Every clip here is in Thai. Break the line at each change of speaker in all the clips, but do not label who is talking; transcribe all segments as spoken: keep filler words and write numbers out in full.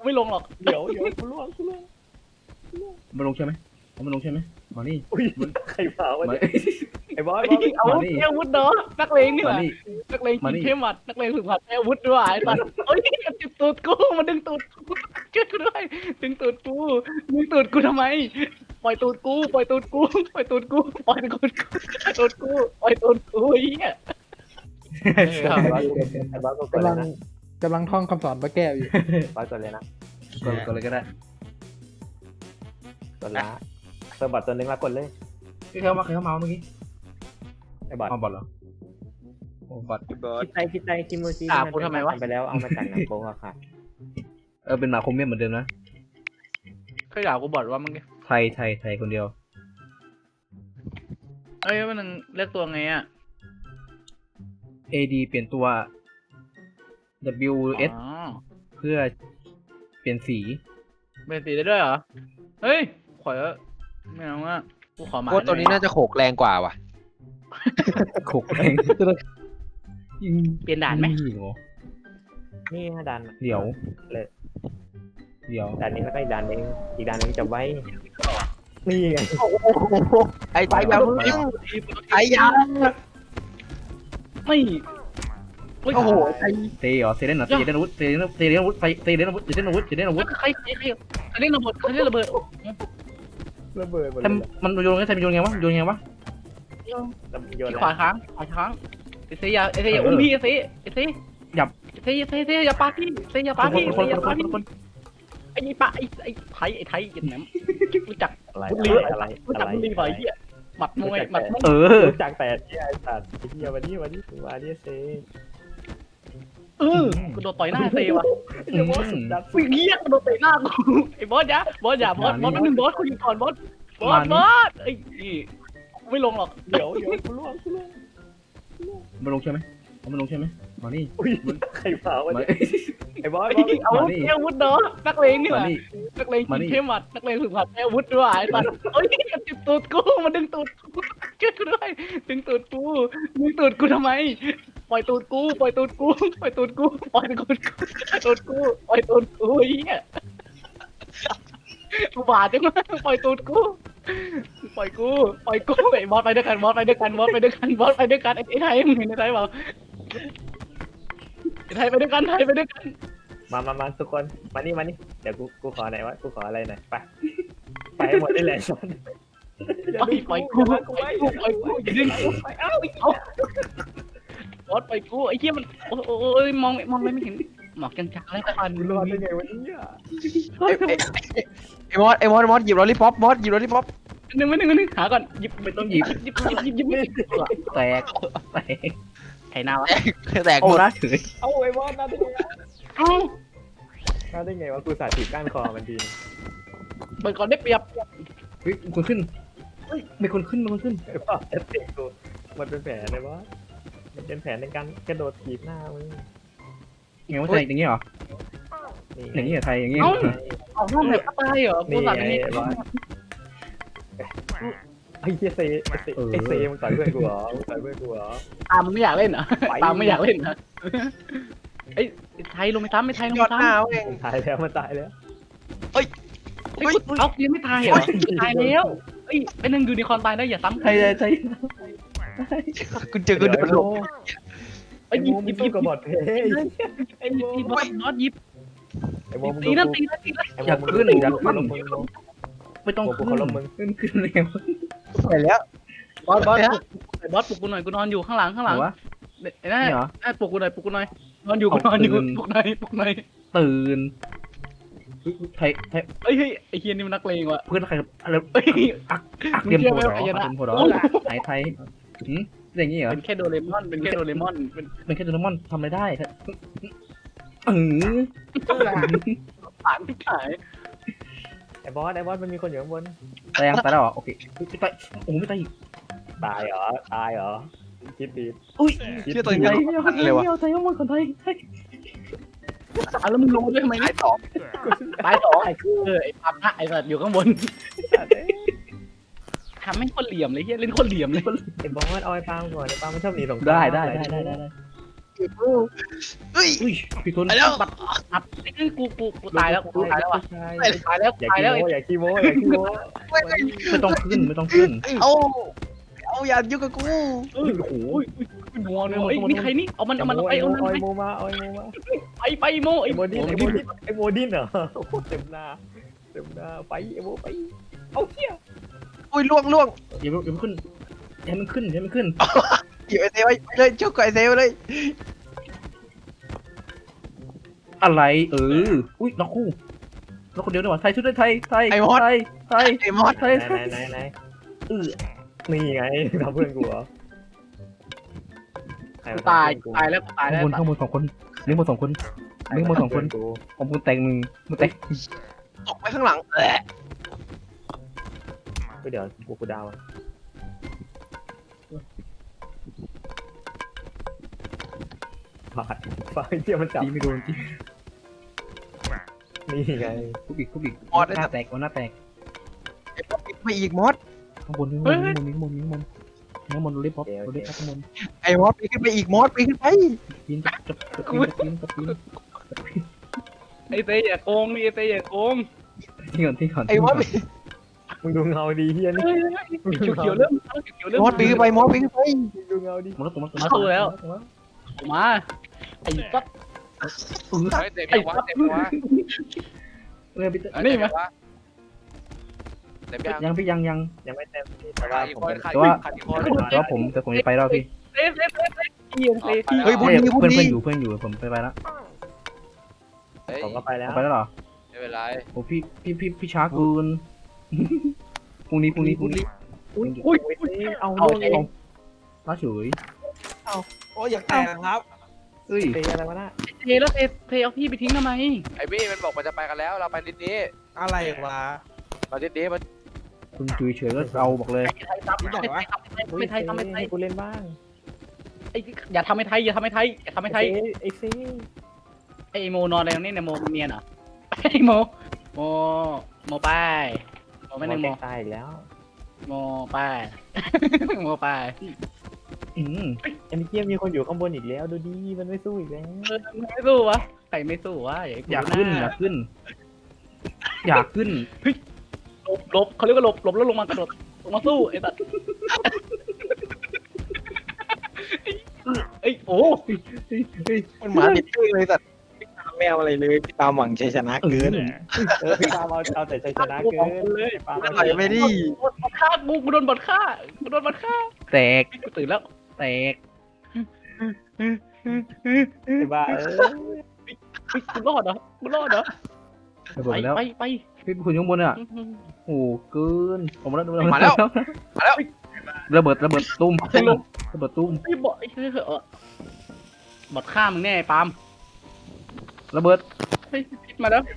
ไม่ลงหรอก
เดี๋ยวเดี๋ยวกูล่วงกูล่วง
มาลงใช่ไหมเอามาลงใช่ไหมมานี่
อุ้ยใครเผาวะ
มา
เนี่ยไอ้บอส
ไอ้อาวุธอาวุธเนาะนักเลงนี่ห
มา
ว่า
นี่
นักเลงกินเข้มหมัดนักเลงฝึกหัดอาวุธด้วยไอ้สัสเฮ้ยมันจิบตูดกูมันดึงตูดกูช่วยกูด้วยดึงตูดกูดึงตูดกูทำไมปล่อยตูดกูปล่อยตูดกูปล่อยตูดกูปล่อยตูดกูปล่อยตูดกูปล่อยตูดกูไอ้เหี้ย
ไอ้บอสกูกด
กำ
เล
ลั
ย
ง
นะ
กำลังท่องคำสอนพระแก้วอยู่
บอสกดเลยนะ
กดกดเลยก็ได้
กดละเติมบอทตัวนึงละกดเลย
ใครเข้ามาใครเข้ามาเมื่อกี้
ไอ้บอท
เอาบอลเหรอโอ้บอล
พี่บอส
คิดใจคิดใจคิมูจิ
ด่ากูทำไมวะ
ไปแล้วเอามาจากหนังโป๊อะค่ะ
เออเป็นหมาคมเมียนเหมือนเดิมนะ
เคยด่ากูบอดว่ามึงไง
ไทยไทยไทยคนเดียว
เอ้ยมันเลือกตัวไงอ่ะ
A D เปลี่ยนตัว W S
อ๋อ
เพื่อเปลี่ยนสี
เป็นสีได้ด้วยเหรอเฮ้ยขอไม่เอาอ่ะกูขอมา
โคตรตัวนี้น่าจะโขกแรงกว่าว่ะ
ขกแรง
เปลี่ยนด่านไหม
โอ้
นี่ฮะดัน
เดี๋ยว
เลย
เดี๋ยว
ดันนี้แล้วก็อีกดันนึงอีกดันนึงจะไว้นี่ไง
ไอ้ไปยาวไอ้ยาว
ไม่โอ้โหใคร
เตะเหรอเซเลนเหรอเซเลนอาวุธเซเลนเซเลนอาวุธเซเลนอาวุธเซเลนอาวุธเซเลนอาวุธ
ใครใครใครใครเล่นระเบิดใครเล่นระเบิด
ระเบิดหมด
แต่
เลย
มันโยนไงแต่มันโยนไงวะโยนไงวะ
โยน
ขวาค้างขวาค้างเอเซียเอเซียอุ้มพี่เอเซียเอเซียเอเซียเอเซียอย่าปาพี่เอเซียอย่าปาพี่
คน
อย่า
ค
ปาน พี่
คน
ไอ้ปะไอ้ไอ้ไทยไอ้ไทยยันแหนมรู้จัก
อะไร
บุรี
อะไร
รู้
อะ
จัก
ไร
บุรีบ่อยเหี้ยหมัดมวยหมัดมวย
เออ
รู้จักแต่ที่ไอ้สัตว์ไอ้เหี้ยวันนี้วันนี้ถึงวันนี้เซ่
เออกูโดนต่อยหน้าเซว่ะ
อืม
ดับ
วิ่งเงี้ยกูโดนเตะหน้ากูไอ้บอสยะบอสอย่าบอสบอสมันหนึ่งบอสคุยก่อนบอสบอสบอสไอ้ไม่ลงหรอก
เดี๋ยวเดี๋ยวกูล่วงกูล่วง
มาลงใช่ไหมเอามาลงใช่ไหมมานี่
อุ้ยใครเผาวะ
มา
เนี่ยไอ้บอส
ไอ้อาวุธอาวุธเนาะนักเลงนี่ห
มา
ว่า
นี่
นักเลงกินเข้มหมัดนักเลงฝึกหัดอาวุธด้วยไอ้สัสเฮ้ยมันจิบตูดกูมันดึงตูดกูช่วยกูด้วยดึงตูดกูดึงตูดกูทำไมปล่อยตูดกูปล่อยตูดกูปล่อยตูดกูปล่อยตูดกูตูดกูปล่อยตูดกูไอ้เหี้ยกูบาดจังวะปล่อยตูดกูปล่อยกูปล่อยกูไอ้บอสไปด้วยกันบอสไปด้วยกันบอสไปด้วยกันบอสไปด้วยกันไอ้ไทยมึงเห็นไอ้ไทยเปล่าไอ้ไทยไปด้วยกันไทยไปด้วยกัน
มามามาทุกคนมานี่มานี่เดี๋ยวกูกูขอไหนวะกูขออะไรหน่อยไปไปหมดได้เลยสัน
ปล่อยปล่อยกูปล่อยกูปล่อยกูอย่าดึงกูไปเอ้าเอาบอสปล่อยกูไอ้เหี้ยมันโอ้โอ้ยมองมองไม่เห็นหมอกจางๆแล้วควัน
กูรอดได้ไงวะเนี่ย
ไอ้มอสไอ้มอสมอสหยิบลอลลี่ป๊อปมอสหยิบลอลลี่ป๊อป
หนึ่งไม่หนึ่งหนึ่งหาก่อนหยิบไม่ต้องหยิบหยิบหยิบหยิบหยิบไม่
แตกแตก
ไข่นาวะ
แตก
โอ้
หมด
นะเฉย
เอาไอ้บอสน่าได้ไง
เอ้า
น่าได้ไงวะกูสาธิตก้านคอมันที
เปิดก่อนได้เปรียบ
เฮ้ยคนขึ้นเฮ้ยมีคนขึ้นมีคนขึ้น
ไอ้บอสเอฟเฟกกูมันเป็นแผนเลยบอสมันเป็นแผนในการกระโดดถีบหน้ามึง
ไงว่าไทยอย่างเงี้ยเหรอ
นี่
อย่างเงี้ยไทยอย่างเงี้ย
ออกห้องแบบตายเหรอกู
นี่
สั่ง
ไง
อันนี้
ไอ้บอสไอ้เหี้ยเซไอ้เซไอ้เซมึงต่อยเพื่อนกูเหรอมึงต่อยเพื่อนกูเหรอ
ตามไม่อยากเล่นเหรอตามไม่อยากเล่นนะไอ้ไทยลงไปซ้ำไอ้ไทยลง
ย
ไป
อดหน้า
ซ้ำ
เว้ย
มันตายแล้วมันตายแล้ว
เฮ้ยเอายังไม่ตายเหรอตายแล้วเฮ้ยเป็นหนึ่งยูนิคอร์นตายได้อย่าซ้ำ
ไทยไทย
กูเจอกูโดนหลบ
ไอ้หยิบ
โม
หยิบ
มึ
หยิ
ง
บ
กับบอดเพย์
ไอ้หยิบหยิบบอสบอสหยิบ
ไอ้โมมึง
ตีนะตีนะตีนะ
ไอ้โมมึงขึ้นยันขึ้นมึง
ไม่ต้องขึ้นขึ้นขึ้นเลย
ไปแล้ว
บอสบอสบอสปลุกกูหน่อยกูนอนอยู่ข้างหลังข้างหลัง
วะ
ไอ้นั่น
นี่เหรอ
ปลุกกูหน่อยปลุกกูหน่อยนอนอยู่กูนอนอยู่ปลุกหน่อยปลุกหน่อย
ตื่นไทยไทย
เฮ้ยเฮ้ยไอ้เฮียนี่มันนักเลงว่ะ
เพื่อนใครอะไร
เฮ้ย
อักอักเตรียมโผล่เหรออักเตรียมโผล่เหรอไทยไทยหืมอย่างงี้เหรอ
เป็นแค่โดเรมอนเป็นแค่โดเรมอนเป็น
เป็นแค่โดเรมอนทำอะไรได้ครับเออ
ผ่านที่ขาย
ไอ้บอสไอ้บอสมันมีคนอยู่ข้างบน
ตายยังตายแล้วเหรอโอเคไม่ตายโอ้ไม่ตายอีก
ตายเหรอตายเหรอคิดดี
อุ้ย
เชื่อตัว
ไท
นี้
ยไม่เอาไทยไม่เอาไทยเอาคนไทย
อ่ะแล้วมึงรู้ด้วยทำไม
ไอ้
เนี่ย
สอง
ตายสองไอ้คือไอ้ปั๊มไอ้สัตว์อยู่ข้างบนทำให้คนเหลี่ยมเลยเฮียเล่นคนเหลี่ยมเลย
ไอ้บอสเอาไอ้ปาล์มก่อนไอ้ปาล์มมันชอบหนีสงคราม
ได้ได้ได้ได้ได้
เฮ้ย
อุ้ยพี่คน
ไปแล้ว
อัดไอ้กูกูกูตายแล้วกูตายแล้วอ่ะ
ใช่
ตายแล้ว
อย่า
ตาย
ขี้
แล้ว
โม้อย่าขี้โม้อย่าขี้โม้
ไม่ต้องขึ้นไม่ต้องขึ้น
เอาเอาอย่ายุ่งกับกู
เออโอ้โหนัวนัวไอ้นี่ใครนี่เอามันเอามันไปเอามัน
ไอ
ไป
โมมาไอโมมา
ไปไปโม
ไอ
ไอ้
โมดินไอโมดินไอโมดินเหรอเต็มหน้าเต็มหน้าไปไอโมไปเอาเที่ย
อุ้ยล่วงล่วง
อย่าอย่าขึ้นอย่ามันขึ้นอย่ามันขึ้น
หยิบไอเซไว้เลยชุกกับไอเซไว้เลย
อะไรเอออุ้ยน้องคู่น้องคนเดียวนี่หว่าไทยชุดไทยไทยไทยไทย
ไอมอส
ไทย
ไหนไหนไหนเออนี่ไงทำเพื่อนกูเหรอ
กูตายตายแล้วตาย
ข้าง
แล้ว
บนข้างบนสองคนเลี้ยงบนสองคนเลี้ยงบนสองคนของมึงแตงมึงมึงแตง
ตกไปข้างหลังแหละ
เดี๋ยวกูกูดาวฟาดฟาดเที่ยมันจับ
ตีไม่โดนตี
นี่ไง
คุบิกคุบิกหน้าแตกหน้าแตก
ไอมอสไปอีกมอส
ข้างบนข้างบนข้างบนข้างบนข้างบนข้างบนรีบพบรีบข้างบน
ไอมอสไปขึ้นไปอีกมอสไปขึ้นไป
ปีนจับจับปีนปีนปีน
ไอ้เต้อย่าโกงนี่ไอ้เต้อย่าโกง
ที่ก่อนที่ก่อน
ไอมอส
มึงดูเงาดีเฮียนี่
เขียวเขียวเริ่มเขียวเริ่ม
มอสไปขึ้นไปมอสไปขึ้นไป
มึงดูเงาดี
มันแล้วตัวมัน
มาสู้แล้วมาไอ้ปั๊บ
เฮ้ยเต็มยังวะเต็มยังวะ
เรื่องพี่
เฮ้ย
นี่
เต็ม
มั้
ยังวะเต็มยัง
ยังพี่ยังยัง
ยังไม่เต็มที่แต่
ขา
ว่า
ดอีก
ผม
คน
เป็น
ขาด
แต่ว่า
ขาดอีกคน
แต่ว่าผมแต่ผมจะไปแล้วพี่
เต้เต้เต้เต้เอียงเต้ที่
เฮ้ยพูดดีพูด
เพื่อน
ดี
เพื่อนอยู่เพื่อนอยู่ผมไปไปแล้ว
เฮ้ย
ผมก็ไปแล้ว
ไปแล้วเหรอ
ไม่เป็นไร
โอ้พี่พี่พี่พี่ช้ากูนพรุ่งนี้พรุ่งนี้พรุ่งนี้
อุ้ยอุ้ยเอา
เอา
เ
เอง
มาเฉย
โอ้ยอยากแตกครับ
เอ้ย
ตะอะไรวะน่ะ
เต้แล้วเต้เต้เอาพี่ไปทิ้งทำไม
ไอ้บี้มันบอกมันจะไปกันแล้วเราไปนิดนี้
อะไรวะ
เรานิดนี้มัน
คุณจุยเฉยก็เอาบอกเลย
ไทยทำไม่ไทยทำไม่ไทยทำไม่ไทย
ให้กูเล่นบ้าง
ไอ้อย่าทำให้ไทยอย่าทำให้ไทยอย่าทำให้ไทย
ไอ้ซี
ไอ้โมนอนอะไรตรงนี้เนี่ยโมเนียนเหรอไอ้โมโมโมไปโมไม่หนึ่งโม
ตายอีกแล้ว
โมไปโมไป
อืม
ไอ้เมื่อกี้มีคนอยู่ข้างบนอีกแล้วดูดีมันไม่สู้อีกแล้ว
เออไม่สู้วะใครไม่สู้วะ
อยากขึ้นอยากขึ้น อยากขึ้น
หลบหลบเขาเรียกว่าหลบหลบแล้วลงมากระโดดลงมาสู้ไอ้สัตว์ไอ้โอ้
มันหมาติดตื้อเลยสัตว์แมวอะไรเลยพี่ตามหวังชัยชนะเกิน
เออพี่ปาเอาเอาแต่ชัยชนะเกิน
เลย
ปา
ต่อยไม่ดี
บอดฆ่ากูกูโดนบอดฆ่ากูโดนบอดฆ่า
แตก
กูตื่นแล้ว
แตก
ไอ้บ้าเออ
กูรอดเหรอกูรอดเหรอ
ระเบิ
ไป
ดแล้ว
ไปไป
พี่คุณอยู่ข้างบนอ่ะโอ้เกินผมมาแล้ว
มาแล้ว
ระเบิดระเบิดตุ้มระเบิดตุ้ม
ไอ้บอดไอ้เออบอดฆ่ามึงแน่ปาล์ม
ระเบิด
เฮ้ยพิษมาแล้ว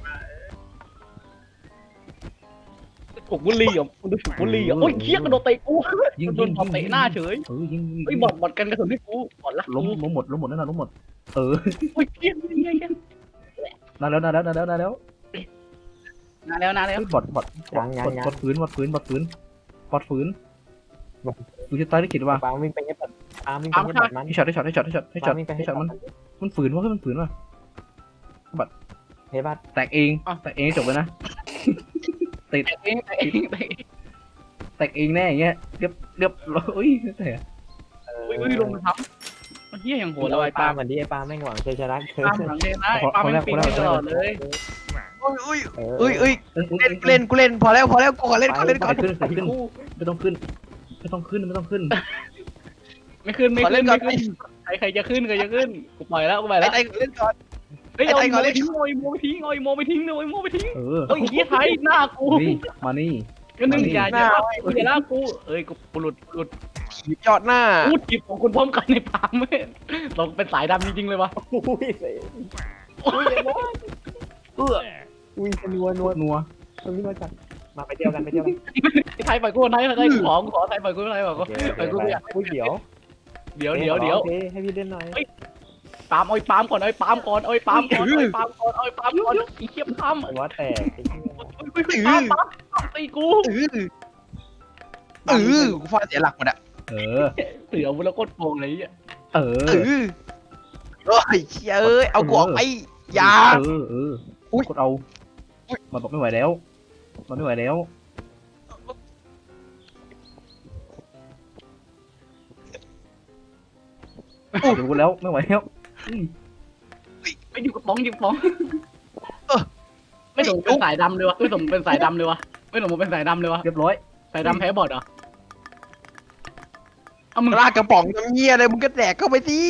ถูกบุหรี่เหรอมึงดูถูกบุหรี่เหรอโอ้ยเคี้ยกระโดดเตะกู
ยิง
โด
ยิ
น
ง
บอดเตะหน้าเฉย
เออยิง
ไอ้บอดบอดกันกระสุนที่กูบอดละ
ล้มล้มหมดล้มหมดแน่นอนล้มหมดเออ
โอ้ยเคี้ยเคี้ยเคี้ย
นานแล้วนานแล้วนานแล้วนานแล้ว
นานแล้วนานแล้ว
บอดบอดบอดบอดฝืนบอดฝืนบอดฝืนบอดฝืนดูจะตายได้กี่วะ
ปาวิ่งไปเย็บปัดปาวิ่งไปเย็บปัดมัน
ให้ช็อตให้ช็อตให้ช็อตให้ช็อตให้ช็อตให้ช็อตมันมันฝืนวะมันฝืนวะ
เฮ้ยบัด
แตกเองแตกเองจบเลยนะ ติด
เองเองเอง
แตกเองแน่อย่างเงี้ยเรียบเรียบโอ้ยแต่
อุ้ยอุ้ยลงมาทำมันเฮี้ยอย่างโหด
โห
เล
เรา
ย
ไอ้ปา
ปาล์ม
เหมือนที่ไอ้ปาแม่งหวังชัยชนะเกิน
ปาล์มหลังเลยนะไอ้ปาล์มไม่ปีนตลอดเลย
อุ้ยอุ้ย
เออ
อุ้ยอุ้ยเล่นเล่นกูเล่นพอแล้วพอแล้วกูขอเล่นก่อนเล่นก่อน
ขึ้นขึ้นไม่ต้องขึ้นไม่ต้องขึ้นไม่ต้องขึ้น
ไม่ขึ้นไม่ขึ้นไม่ขึ้นใครใครจะขึ้นใครจะขึ้นกูปล่อยแล้วกูปล่อย
ไอ้
แล้ว
ไอ้เล่นก่อน
เฮ้ยเอาโมไปทิ้งโอยโมไปทิ้งโอยโมไปทิ้งเลยโมไปทิ้ง
เออ
เฮ้ยเฮี้ยไทยหน้ากู
นี่มานี่
ก็นึงอย่าอย่าลากกูอย่าลากกูเอ้ยกูหลุดหลุด
ยอดหน้า
พูดจีบของคุณพร้อมกันในปาล์มเว้ยเราเป็นสายดำจริงๆเลยวะ
อุ้ยเสอุ้ยไอ้บอส
เออ
อุ้ยนัวนัว
นัว
ตรงนี้มาจัดมาไปเที่ยวกันไปเที่ยวกัน
ไทยปล่อยกูไทยไทยขอขอไทยปล่อยกูไทยปล่อยกู
ไปกูอยากอุ้ยเดี๋ยว
เดี๋ยวเดี๋ยวเดี๋ยว
ให้พี่เล่นหน่อย
ปาล์มเอาไอ้ปาล์มก่อนเอาไอ้ปาล์มก่อนเอาไอ้ปาล์มก่อนเอาไอ้ปาล์มก่อนเอาไอ้ปาล์มก่อนไอ้เขี้ยปาล์ม
ไอ้บอสแตกไอ้เหี้ย
ปาล์มปาล์มตีกู
เออเออกูฟาดเสียหลักหมดอะ
เออ
เสือมึงแล้วโคตรโกงเลยอ่ะ
เอ
เอ
อ
อเอ้ยเชี่ยเอ้ยเอากูออกไปอย่า
เออเออ
อุ๊ย
กดเอา
อุ๊ย
มันบอกไม่ไหวแล้วมันไม่ไหวแล้วเดี๋ยวกูแล้วไม่ไหวแล้วอืม
ไปอยู่กับป้องอยู่กับป้องไม่สมเป็นสายดำเลยวะไม่สมเป็นสายดำเลยวะไม่สมเป็นสายดำเลยวะ
เรียบร้อย
สายดำแพ้บอดเหรอเอามึง
ลากกระป๋องน้ำเงี้ยอะไรมึงก็แดกเข้าไปสิ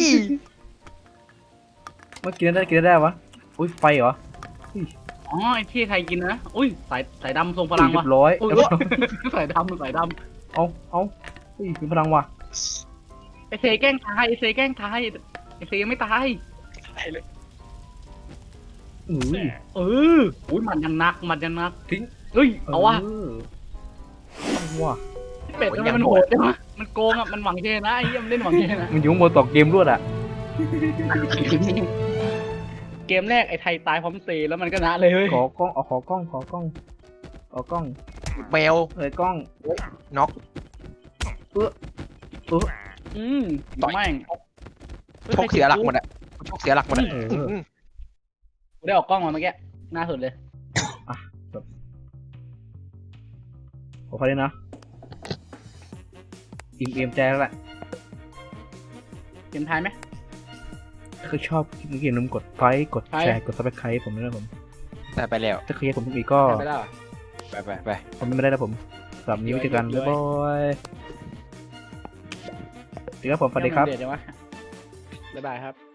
เมื่อกินได้กินได้วะอุ้ยไฟเหรอ
อ๋อไอ้ที่ไทยกินนะอุ้ยสายสายดำทรงพลัง
เรี
วะ
ยบร้อย
อุ้ย
เรียบร้อย
สายดำสายด
เอาเอาอุ้ยมีพลังว่ะ
ำไอเซแกล้งตายไอเซแกล้งตายไอเซยังไม่ตาย
อือ
เอออุ้ยมันยังนักมันยังนัก
ทิ้ง
เฮ้ยเอาวะ
เอาว่ะ
เป็ดทำไมมันโหดจังวะมันโกงอ่ะมันหวังเชนะไอ้เหี้ยมันเล่นหวังเชนะ
มันอยู่ข้างบนต่อเกมรวดอ่ะ
เกมแรกไอ้ไทยตายพร้อมเซแล้วมันก็นะเลยเฮ้ย
ขอกล้องเอาขอกล้องขอกล้องขอกล้อง
แมว
เอ้ยกล้อง
น็อก
อืมต่อแม่ง
ชกเสียหลักหมดอะชกเสียหลักหมดอะ
เออ
อืม
กูได้ออกกล้องมาเมื่อกี้หน้าสุดเลย
ขอพอเลยนะอิ่มเอมใจแล้วแหละ
เกมไทยไหม
ถ้าใครชอบคลิปนี้อย่าลืมกดไลค์กดแชร์กดซับสไครต์ผมด้วยนะผม
แต่ไปแล้ว
ถ้าใครอยากผมทุกอีกก็
ไปแล้ว
ไปไปไป
คอมเมนต์มาได้นะผมสำหรับวันนี้ไว้เจอกันบ๊ายบายสวัสดีครับผมสวัสดีครับ
เดี๋ยววะบ๊ายบายครับ